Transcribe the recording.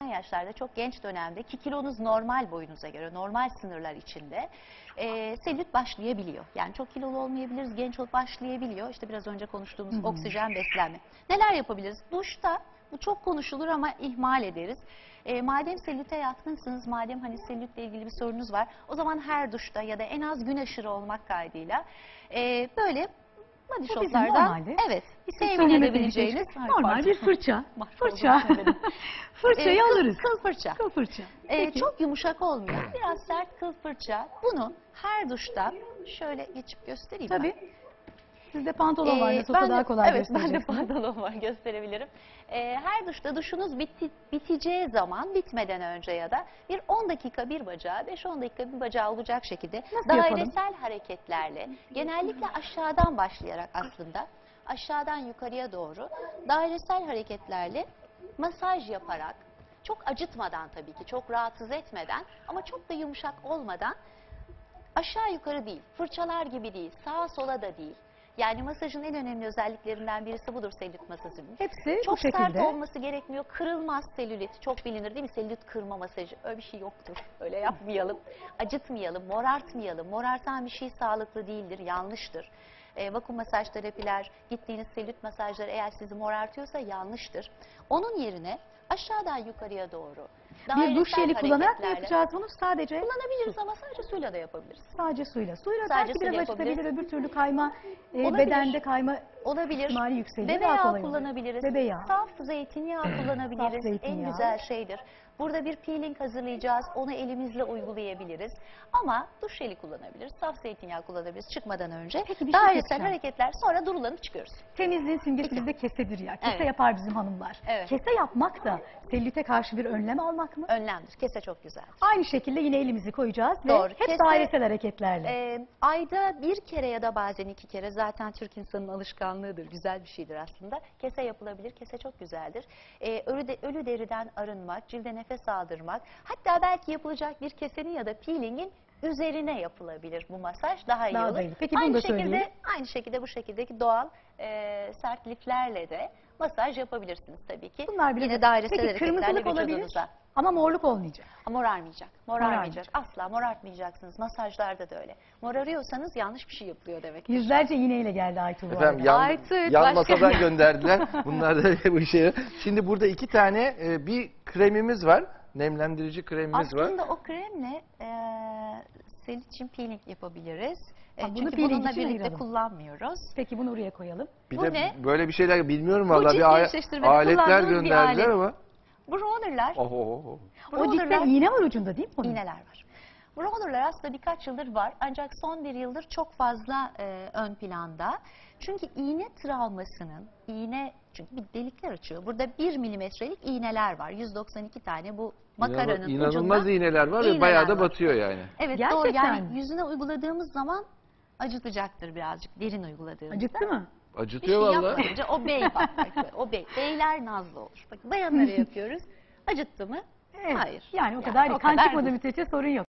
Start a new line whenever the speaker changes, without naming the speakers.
yaşlarda, çok genç dönemde ki kilonuz normal boyunuza göre, normal sınırlar içinde selülit başlayabiliyor. Yani çok kilolu olmayabiliriz, genç olup başlayabiliyor. İşte biraz önce konuştuğumuz oksijen beslenme. Neler yapabiliriz? Duşta bu çok konuşulur ama ihmal ederiz. Madem selülite yatkınsınız, madem hani selülitle ilgili bir sorunuz var, o zaman her duşta ya da en az gün aşırı olmak kaydıyla böyle body shoplardan evet temin edebileceğiniz
normal bir fırça. Fırçayı alırız.
Kıl fırça.
Kıl fırça.
Çok yumuşak olmayan biraz sert kıl fırça. Bunu her duşta şöyle geçip göstereyim
Tabii.
ben.
Sizde pantolon var, nasıl daha kolay
evet, ben de
göstereceksiniz.
pantolon var, gösterebilirim. Her duşta duşunuz biteceği zaman, bitmeden önce ya da bir 10 dakika bir bacağı, 5-10 dakika bir bacağı olacak şekilde
Nasıl
dairesel hareketlerle, genellikle aşağıdan başlayarak aslında, aşağıdan yukarıya doğru dairesel hareketlerle masaj yaparak, çok acıtmadan tabii ki, çok rahatsız etmeden ama çok da yumuşak olmadan, aşağı yukarı değil, fırçalar gibi değil, sağa sola da değil. Yani masajın en önemli özelliklerinden birisi budur selülit masajının.
Hepsi
çok
bu şekilde.
sert olması gerekmiyor. Kırılmaz selülit. Çok bilinir değil mi? Selülit kırma masajı. Öyle bir şey yoktur. Öyle yapmayalım. Acıtmayalım, morartmayalım. Morartan bir şey sağlıklı değildir, yanlıştır. Vakum masaj terapiler, gittiğiniz selülit masajları eğer sizi morartıyorsa yanlıştır. Onun yerine aşağıdan yukarıya doğru
Bir duş jeli kullanarak mı
hareketlerle
yapacağız bunu? Sadece
kullanabiliriz ama sadece suyla da yapabiliriz.
sadece suyla. Suyla
Sadece
belki
suyla
biraz acıtabilir,
yapabiliriz.
öbür türlü kayma,
Olabilir.
bedende kayma
Olabilir.
ihtimali yükseliyor.
Bebe
Daha
yağı
kolay olur.
kullanabiliriz.
Bebe yağı.
Saf zeytinyağı kullanabiliriz.
Saf zeytinyağı.
En güzel şeydir. Burada bir peeling hazırlayacağız. Onu elimizle uygulayabiliriz. Ama duş jeli kullanabiliriz. Saf zeytinyağı kullanabiliriz çıkmadan önce.
Peki, bir şey
dairesel
söyleyeceğim.
hareketler, sonra durulanıp çıkıyoruz.
Temizliğin simgesi bizde kesedir ya. Kese
Evet.
yapar bizim hanımlar.
Evet.
Kese yapmak da selülite karşı bir önlem almak mı?
Önlemdir. Kese çok güzel.
Aynı şekilde yine elimizi koyacağız
Doğru.
ve hep
Kese,
dairesel hareketlerle.
Ayda bir kere ya da bazen 2 kere, zaten Türk insanının alışkanlığıdır, güzel bir şeydir aslında. Kese yapılabilir, kese çok güzeldir. Ölü deriden arınmak, cilde nefes aldırmak, hatta belki yapılacak bir kesenin ya da peelingin üzerine yapılabilir bu masaj, daha iyi
Daha
olur.
da iyi. Peki bunu da söyleyelim.
Aynı şekilde bu şekildeki doğal sert liflerle de masaj yapabilirsiniz tabii ki.
Bunlar biraz
Yine dairesel
Peki
hareketlerle
kırmızılık olabilir
vücudunuza.
ama morluk olmayacak.
Morarmayacak.
Morarmayacak.
Asla morartmayacaksınız. Masajlarda da öyle. Morarıyorsanız yanlış bir şey yapılıyor demek.
Yüzlerce iğneyle geldi Aytuğ bu
Efendim
arada.
Aytül,
yan
başka-
masadan gönderdiler. Bunlar da bu işe. Şimdi burada 2 tane bir kremimiz var. Nemlendirici kremimiz var.
Aslında o kremle selülit için peeling yapabiliriz.
Ha, bunu
Çünkü
peeling
bununla
için
birlikte
ayıralım.
kullanmıyoruz.
Peki bunu oraya koyalım.
Bir
Bu
de
ne?
böyle bir şeyler bilmiyorum
Bu
vallahi
cilt
bir
gevşeştirmede
aletler
kullandığımız bir
gönderdiler
alet.
ama.
Bu rollerler,
O cidden iğne var ucunda değil mi bunun?
iğneler var. Bu rollerler aslında birkaç yıldır var, ancak son bir yıldır çok fazla ön planda. Çünkü iğne travmasının, çünkü bir delikler açıyor. Burada 1 milimetrelik iğneler var. 192 tane bu makaranın
İnanılmaz
ucunda
iğneler var ve
iğneler
bayağı da
var.
batıyor yani.
Evet,
Gerçekten
doğru. Yani
mi?
yüzüne uyguladığımız zaman acıtacaktır birazcık, derin uyguladığımızda.
Acıttı mı?
Bir
Acıtıyor
şey
vallahi.
yapmayınca o bey bak. Beyler nazlı olur. Bakın bayanlara yapıyoruz. Acıttı mı?
Evet.
Hayır.
Yani o kadar
o
kan
kadar
çıkmadığı
değil.
müddetçe sorun yok.